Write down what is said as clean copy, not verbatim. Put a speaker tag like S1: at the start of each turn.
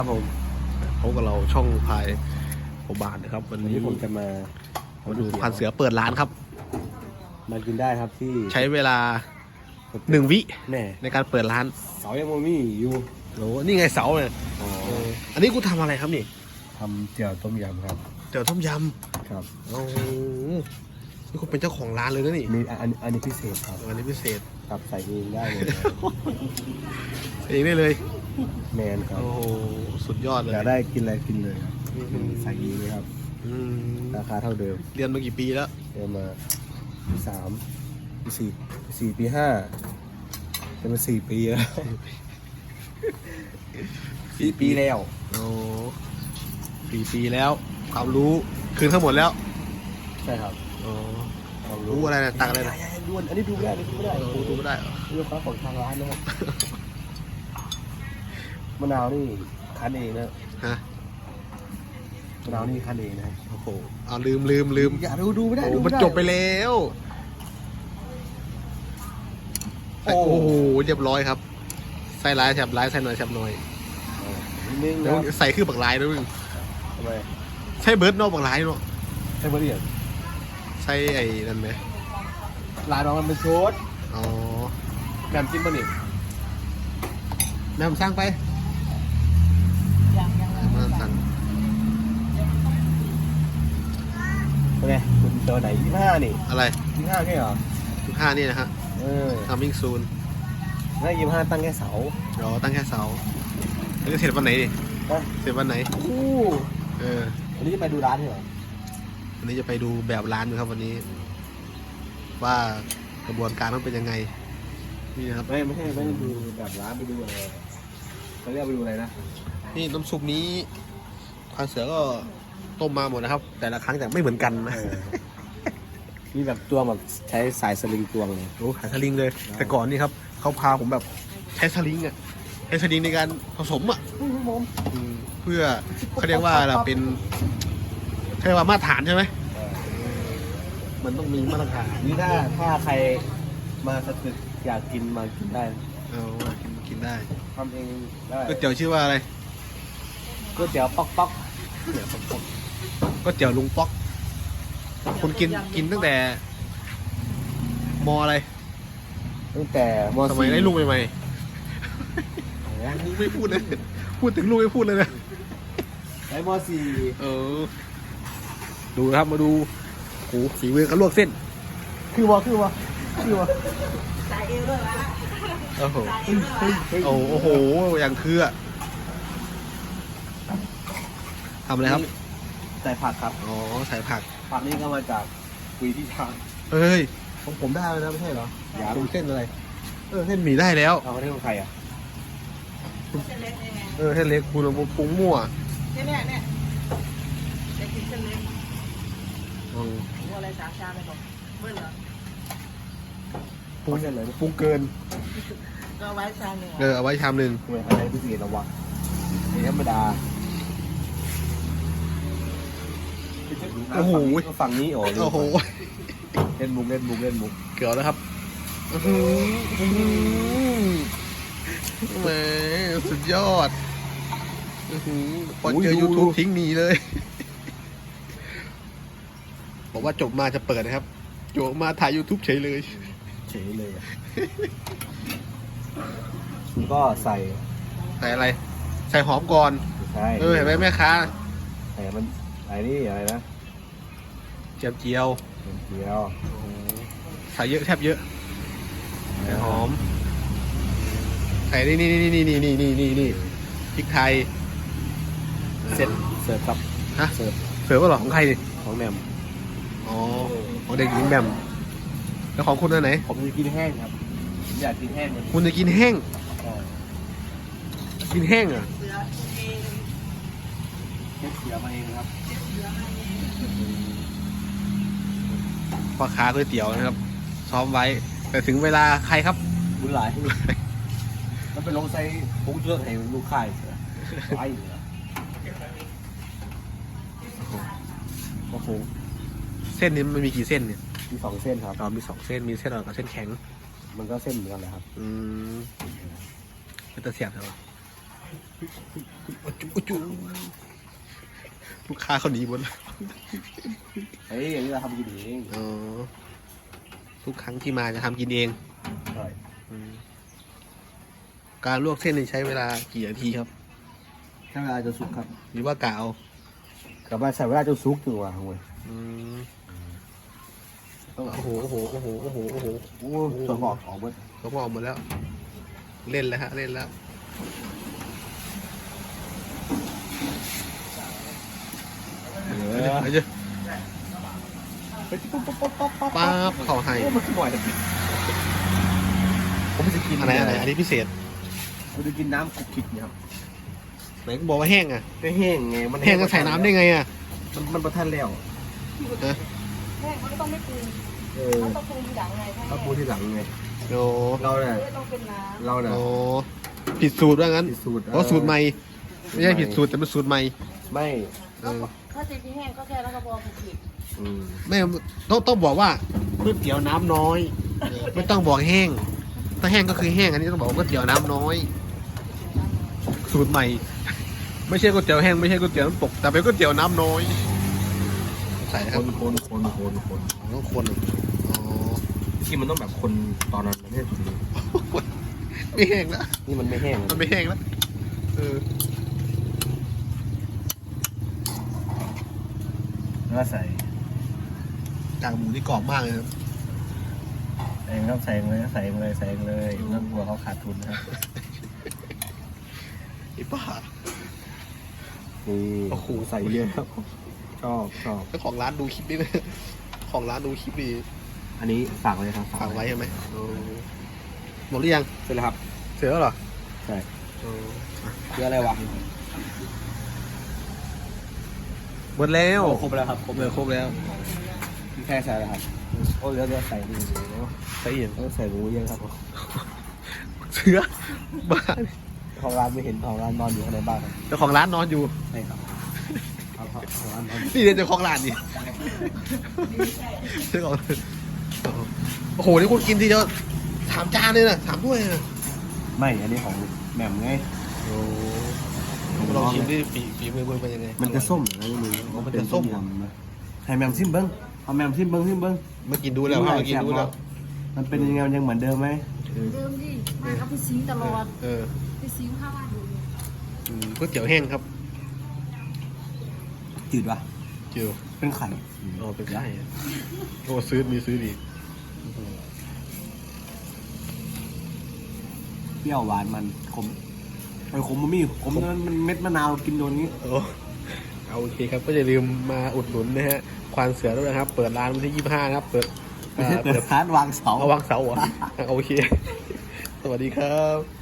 S1: ครับผม
S2: พบกับเราช่องพายโอบานนะครับวัน
S1: วัน
S2: นี้
S1: นี้ผมจะมา
S2: ดูพันเสือเปิดร้านครับ
S1: มากินได้ครับที่
S2: ใช้เวลา1 วิ
S1: แม่
S2: ในการเปิดร้าน
S1: เสายังโมมี่อยู่
S2: โอ้นี่ไงเสาเนี่ยอันนี้กูทำอะไรครับนี่
S1: ทำเจียวต้มยำครับ
S2: เดี๋ยวต้มย
S1: ครับ
S2: ำโอ้โหนี่คุณเป็นเจ้าของร้านเลยนะนี่
S1: มีอันนี้พิเศษครับ
S2: อันนี้พิเศษ
S1: ครับใส่เองได้เลย
S2: เองได้เลย
S1: แมนครับ
S2: โอ้โหสุดยอดเลย
S1: อยากได้กินอะไรกินเลยครับ
S2: อืม
S1: ใส่เองเลยครับ
S2: อืม
S1: ราคาเท่าเดิม
S2: เรียนมากี่ปีแล้ว
S1: เดินมาปี 3 ปี 4 ปี 5จะมา4 ปีแล้ว4 ปีแล้ว
S2: โอ้4 ปีแล้ว ความรู้คืนทั้งหมดแล้ว
S1: ใช่ครับ
S2: อ๋อความรู้อะไรนะตักอะไรนะ
S1: ด่วนอันนี้ดูไม่ได้ดูไม่ได้
S2: ดูไม่ได้เหรอ
S1: เรื่องของทางร้านนะครับ มะนาวนี่คั้นเองนะ
S2: ฮะ
S1: มะนาวนี่คั้นเองนะครับ
S2: โอ้โหเอาลืม
S1: อย่าดูไม่ได้
S2: โอ้
S1: ดู
S2: มัน
S1: ไม่ได้
S2: จบไปแล้วโอ้โหเรียบร้อยครับใส่ร้ายแฉบร้ายใส่หน่อยแฉบหน่อย
S1: นิดนึง
S2: แล้ว
S1: นะ
S2: ใส่คือบักร้ายด้วยมึง
S1: ทำไม
S2: ใช่เบิร์ดเนอกบักร้ายเนาะ
S1: ใช่บริเวณ
S2: ใส่ไอ้นั่นไหม
S1: ร้านน้องมันเป็นชุด
S2: อ๋อ
S1: แกมจิ้มบะหมี่
S2: แม่ผมสร้างไปแม่ผมสั่ง
S1: เป็นไงคุณเจอไหน25นี่
S2: อะไร
S1: 25แค่เหรอ
S2: 15นี่นะฮะ coming soon
S1: แล้ว25ตั้งแค่เสา
S2: เดี๋ยวตั้งแค่เสาแล้วจะเสร็จวันไหนดิ
S1: ฮะ
S2: เสร็จวันไหน
S1: อู้
S2: เออ
S1: วันนี้จะไปดูร้านเหรอ
S2: วันนี้จะไปดูแบบร้านดูครับวันนี้ ว่ากระบวนการมันเป็นยังไงนี่นะครับ
S1: ไม่ใช่ไม่ได้ดูแบบร้านไปดูอะไรเขาเรียกไปดูอะไรนะ
S2: นี่น้ำซุปนี้พันเสือก็ต้มมาหมดนะครับ แต่ละครั้งแต่ไม่เหมือนกันนะ
S1: มีแบบตวงแบบใช้สายสลิงตวงเลย
S2: โอ้ขายสลิงเลย แต่ก่อนนี่ครับเขาพาผมแบบใช้สลิงอ่ะใช้สลิงในการผสมอ่ะเพื่อเขาเรียกว่าเราเป็นเขาเรียกว่ามาตรฐานใช่ไหมมันต้องมีมาตรฐาน
S1: นี่ถ้าใครมาสตึกอยากกินมากินได้
S2: เอากินได้
S1: ทำเองได้
S2: ก๋วยเตี๋ยวชื่อว่าอะไร
S1: ก๋วยเตี๋ยวป๊อกป๊อก
S2: ก๋วยเตี๋ยวลุงป๊อกคุณกินตั้งแต่มออะไร
S1: ตั้งแต่ม
S2: สมัย
S1: 4
S2: ได้ลุงใหม่ๆลุงไม่พูดเลยพูดถึงลุงไม่พูดเลยนะ
S1: ได้ม .4
S2: เออดูนะครับมาดูโอ้โหฝีมือเขาลวกเส้น
S1: คือวะ
S2: โอ้โหโอ้โหอย่างคืออะทำอะไรครับ
S1: ใส่ผักครับ
S2: อ๋อใส่ผัก
S1: ผักนี่ก็มาจากกุยที่ชาง
S2: เอ้ย
S1: ของผมได้แล้วนะไม่ใช่เหรอ
S2: อย่าดูเส้นอะไรเส้นหมี่ได้แล้ว
S1: เอาประเทศของใครอ่ะ
S2: เส้นเล็กคุณปรุงมั่ว
S3: เนี่ยจะกินเส้นเล็ก
S2: อืม
S3: หมูอะไร3 ชามเลยบอกเมื่อเหรอ
S1: ปรุงเส้นเลย
S2: ปรุงเกิน
S3: ก็เอาไว้ชามหนึ่ง
S2: เอาไว้ชามหนึ่ง
S1: ทำไมอะไรพิเศษหรอวะธรรมดา
S2: โอ้โห
S1: ฝั่งนี้โอ้
S2: โอ้โห
S1: เล่นมุก
S2: เกี่ยวแล้วครับอื้อหือแหมสุดยอดอื้อหือพอเจอ YouTube ทิ้งหนีเลย บอกว่าจบมาจะเปิดนะครับจบมาถ่าย YouTube เฉยเลย
S1: เฉยเลยอะก็ใส่
S2: ใส่อะไร ใส่หอมก่อน
S1: ใช่
S2: เห็นไหมแม่ค้า
S1: ใส่มันใส่นี่อะไรนะ
S2: เจียวเจียว
S1: เดียว
S2: ใส่เยอะแทบเยอะใส่หอม ใส่นี่พริกไทย
S1: เสร็จเสิร์ฟครับ
S2: ฮะ
S1: เสิร์ฟ
S2: เสิร์ฟก็หรอของใครดิ
S1: ของแหม่ม
S2: อ๋อของเด็กหญิงแหม่มแล้วของคุณอันไหน
S1: ผมจะกินแห้งครับผมอยากกินแห้งมัน
S2: คุณจะกินแห้ง กินแห้งเหรอ่ะ
S3: เสือเอง
S1: เช็ดเสือมาเองครับ
S2: พ่อค้าก๋วยเตี๋ยวนะครับ ซ้อมไว้ แต่ถึงเวลาใครครับ
S1: บุญหลายมันเป็นลงไซพุงเยอะให้ลูกค้าเสือไว้เหรอ
S2: โอ้โหเส้นนี้มันมีกี่เส้นเนี่ย
S1: มี2 เส้นครับ
S2: มี2 เส้นมีเส้นอ่อนกับเส้นแข็ง
S1: มันก็เส้นเหมือนกันเลยครับ
S2: เป็นตะเสียบใช่ไหมจุลูกค้าเขาหนีหมดแล้ว
S1: เฮ้ยอย่างนี้เราทำกินเอง
S2: อ๋อทุกครั้งที่มาจะทำกินเอง
S1: ใช่
S2: การลวกเส้นนี่ใช้เวลากี่นาทีครับ
S1: ใช้เวลาจะสุกครับ
S2: หรือว่ากะเอา
S1: กลับมาใส่เวลาจะสุกถึงว่าเว้ย
S2: อืม
S1: ต้อง
S2: โอ้โหโอ้โหโอ้โหโอ้โหโอ้โห
S1: โอ้ตัวงอกออกหมด
S2: เขาบอกหมดแล้ว เล่นแล้วฮะเล่นแล้ว
S1: เออ
S2: ไปเจอป๊าบเขาให้
S1: โอ้มันบ่อยเลยผมจะกิน
S2: อะไรอะไรอันนี้พิเศษ
S1: ผมจะกินน้ำคุกคิดเนี่ยครับ
S2: ไหนก็บอกว่าแห้งอ่ะ
S1: ไม่แห้งไงมัน
S2: แห้งก็ใส่น้ำได้ไงอ่ะ
S1: มันประทันแล้ว
S2: ฮะ
S3: แม่เขาก็ต้องไม่ปรุง
S1: เออ
S3: เขาต้องปรุงทีหลังไง
S1: ถ้าปูที่หลังไง
S2: โอ้
S1: เราเนี่ย
S3: ไม่ต้องเป็นน้ำ
S1: เราเนี่ย
S2: โอ้ผิดสูตรว่างั้น
S1: ผิดสูตร
S2: เพราะสูตรใหม่ไม่ใช่ผิดสูตรแต่เป็นสูตรใหม่
S1: ไม่
S2: เออ
S3: ถ้าจะกินแห้งก็แค่แล้วก็บอกผิด
S1: อืม
S2: ไม่ต้องบอกว่าก๋วยเตี๋ยวน้ำน้อยไม่ต้องบอกแห้งถ้าแห้งก็คือแห้งอันนี้ต้องบอกว่าก๋วยเตี๋ยวน้ำน้อย สูตรใหม่ ไม่ใช่ก๋วยเตี๋ยวแห้งไม่ใช่ก๋วยเตี๋ยวน้ำตกแต่เป็นก๋วยเตี๋ยวน้ำน้อยใส่นะ
S1: ค
S2: ครับ
S1: น
S2: ต้องคนอ๋อ
S1: ที่มันต้องแบบคนตอนนั้นไม่ใช่ถึง
S2: ไม่แห้งแล้ว
S1: นี่มันไม่แห้ง
S2: มันไม่แห้งแล้วเออ
S1: แล้วก็ใส่
S2: กากหมูนี่กรอบมากเลยครับ
S1: เองครับใส่เลยใส่เลยใส่เลยนั่นกลัวเขาขาดทุนนะครับ
S2: ไอ้บ้า
S1: นี่
S2: โอ้โห
S1: ใส่เยอะครับชอบ
S2: เจ้าของร้านดูคลิปนี้เลยของร้านดูคลิปดี
S1: อันนี้ฝากเลยครับ
S2: ฝากไว้ใช่ไหมหมดหรือยัง
S1: เสร็จแล้วครับ
S2: เสร็จแล้วเหรอ
S1: ใช่
S2: เออ
S1: เยอะอะไรวะ
S2: หมดแล้ว
S1: ครบแล้วครับครบ
S2: เล
S1: เลย ย
S2: ครบแล้ว
S1: แค่ใส่แล้วครับโอ้เดี๋ยวใส่นี่
S2: ใส่เอียง
S1: ต้องใส่หมูเยอะครับ
S2: เชื้อบ้า
S1: ของร้านไม่เห็นของร้านนอนอยู่ข้างในบ้านครับ
S2: เจ้าของร้านนอนอยู่
S1: ใช่ครับของร้านนอน
S2: นี่เจ้าของร้านนี่เจ้าของโอ้โหนี่คุณกินทีเดียว3 จานเลยนะ3 ถ้วยนะ
S1: ไม่อันนี้ของแหม่มไง
S2: โอ้ลองชิมดิฝีมือมึงเป็นยังไง
S1: มันจะส้มเหรอไม่รู้
S2: มันจะส้ม
S1: ให้แหม่มซิมเบิ้งเอาแหม่มซิมเบิ้ง
S2: มากินดูแล้วครับมากินดูแล้ว
S1: มันเป็นยังไงมันยังเหมือนเดิมไหม
S3: ๆเดิมดิมาเขาไปซิงตลอด
S2: เออ
S3: ไปซิงข้าวบ้านอยู่
S2: ก๋วยเตี๋ยวแห้งครับ
S1: จืดปะ
S2: เจียว
S1: เป็นไข่
S2: อ๋อเป็นไก่โอ้ซื้อมีซื้อดี
S1: เปรี้ยวหวานมันขมไอ้ขมมันมีขมมันเม็ดมะนาวกินโดนนี้
S2: โอ้เอาโอเคครับก็อย่าลืมมาอุดหนุนนะฮะควานเสือด้วยนะครับ เปิดร้านวันที่25นะครับเปิด
S1: ไม่ใช่เปิดร้านวางเสา
S2: เอาวางเสาเหรอโอเค สวัสดีครับ